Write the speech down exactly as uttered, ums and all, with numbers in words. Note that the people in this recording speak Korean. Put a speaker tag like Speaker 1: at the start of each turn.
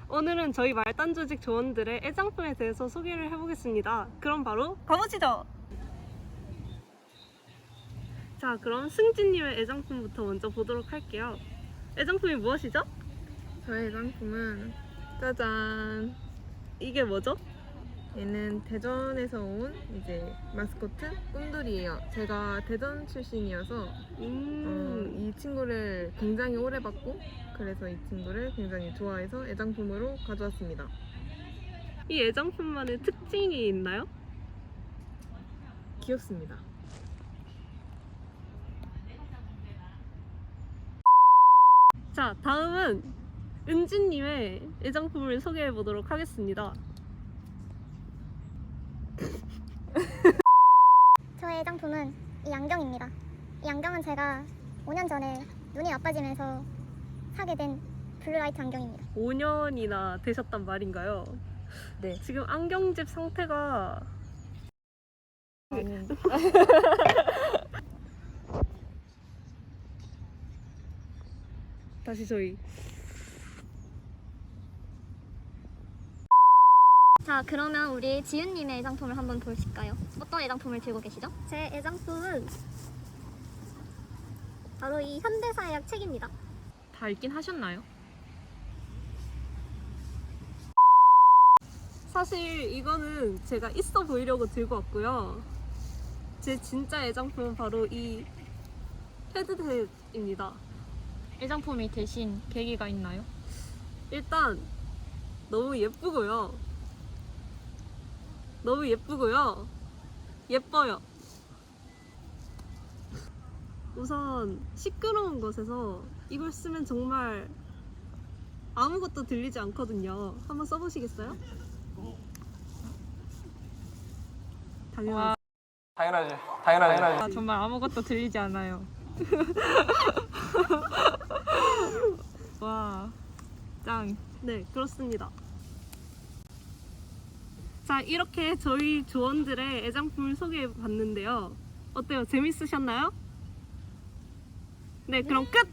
Speaker 1: 오늘은 저희 말단 조직 조원들의 애장품에 대해서 소개를 해보겠습니다. 그럼 바로 가보시죠! 자, 그럼 승진님의 애장품부터 먼저 보도록 할게요. 애장품이 무엇이죠?
Speaker 2: 저의 애장품은 짜잔!
Speaker 1: 이게 뭐죠?
Speaker 2: 얘는 대전에서 온 이제 마스코트 꿈돌이에요. 제가 대전 출신이어서
Speaker 1: 음...
Speaker 2: 어, 이 친구를 굉장히 오래 봤고 그래서 이 친구를 굉장히 좋아해서 애장품으로 가져왔습니다.
Speaker 1: 이 애장품만의 특징이 있나요?
Speaker 2: 귀엽습니다.
Speaker 1: 자, 다음은 은진님의 애장품을 소개해보도록 하겠습니다.
Speaker 3: 저의 애장품은 이 안경입니다. 이 안경은 제가 오 년 전에 눈이 나빠지면서 사게 된 블루라이트 안경입니다.
Speaker 1: 오 년이나 되셨단 말인가요?
Speaker 2: 네.
Speaker 1: 지금 안경집 상태가
Speaker 2: 아니,
Speaker 1: 다시 저희
Speaker 3: 자, 그러면 우리 지윤님의 애장품을 한번 보실까요? 어떤 애장품을 들고 계시죠? 제 애장품은 바로 이 현대사약 책입니다.
Speaker 2: 다 읽긴 하셨나요?
Speaker 1: 사실 이거는 제가 있어 보이려고 들고 왔고요. 제 진짜 애장품은 바로 이 헤드셋입니다.
Speaker 2: 애장품이 되신 계기가 있나요?
Speaker 1: 일단 너무 예쁘고요. 너무 예쁘고요. 예뻐요. 우선 시끄러운 곳에서 이걸 쓰면 정말 아무것도 들리지 않거든요. 한번 써보시겠어요? 당연하죠.
Speaker 4: 당연하지. 당연하지.
Speaker 2: 아, 정말 아무것도 들리지 않아요. 와, 짱.
Speaker 1: 네, 그렇습니다. 자, 이렇게 저희 조원들의 애장품을 소개해 봤는데요. 어때요? 재밌으셨나요? 네, 그럼 끝!